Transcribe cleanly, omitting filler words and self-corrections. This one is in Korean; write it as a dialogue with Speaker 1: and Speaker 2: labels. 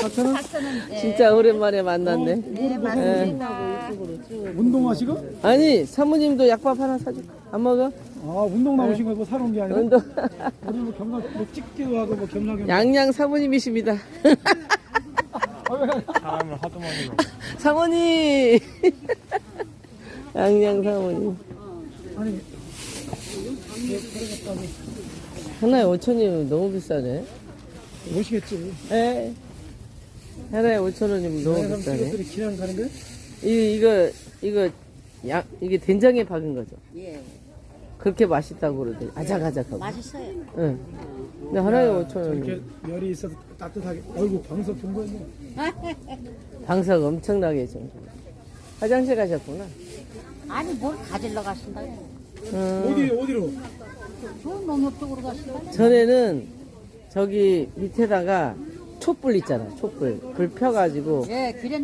Speaker 1: 4,000원?
Speaker 2: 4,000원. 네.
Speaker 3: 진짜 오랜만에 만났네.
Speaker 2: 네, 맞습니다. 이쪽으로 쭉.
Speaker 1: 운동하시고?
Speaker 3: 아니, 사모님도 약밥 하나 사줄까? 안 먹어?
Speaker 1: 아, 운동 나오신 거고 사러 온 게 아니라?
Speaker 3: 운동.
Speaker 1: 우리 뭐 겸사, 뭐 찍기도 하고 뭐 겸사겸사.
Speaker 3: 양양 사모님이십니다.
Speaker 4: 사람을 하도 많이 먹어.
Speaker 3: 사모님! 양양 사모님.
Speaker 1: 아니,
Speaker 3: 하나에 5,000원이면 너무 비싸네.
Speaker 1: 오시겠지.
Speaker 3: 에? 하나에 5,000원이면 너무
Speaker 1: 그럼
Speaker 3: 비싸네.
Speaker 1: 친구들이 기량 가는 거야?
Speaker 3: 이게 된장에 박은 거죠.
Speaker 2: 예.
Speaker 3: 그렇게 맛있다고 그러더니 아작아작하고.
Speaker 2: 맛있어요.
Speaker 3: 응. 근데 하나에
Speaker 1: 이렇게
Speaker 3: 5,000원.
Speaker 1: 열이 있어서 따뜻하게. 어이구, 방석 본 거였네.
Speaker 3: 방석 엄청나게 좀. 화장실 가셨구나.
Speaker 2: 아니, 뭘 가지러 가신다고.
Speaker 1: 어디로?
Speaker 2: 좋은 농협 쪽으로 가신다고.
Speaker 3: 전에는 저기 밑에다가 촛불 있잖아, 촛불. 불 펴가지고
Speaker 2: 예, 그래.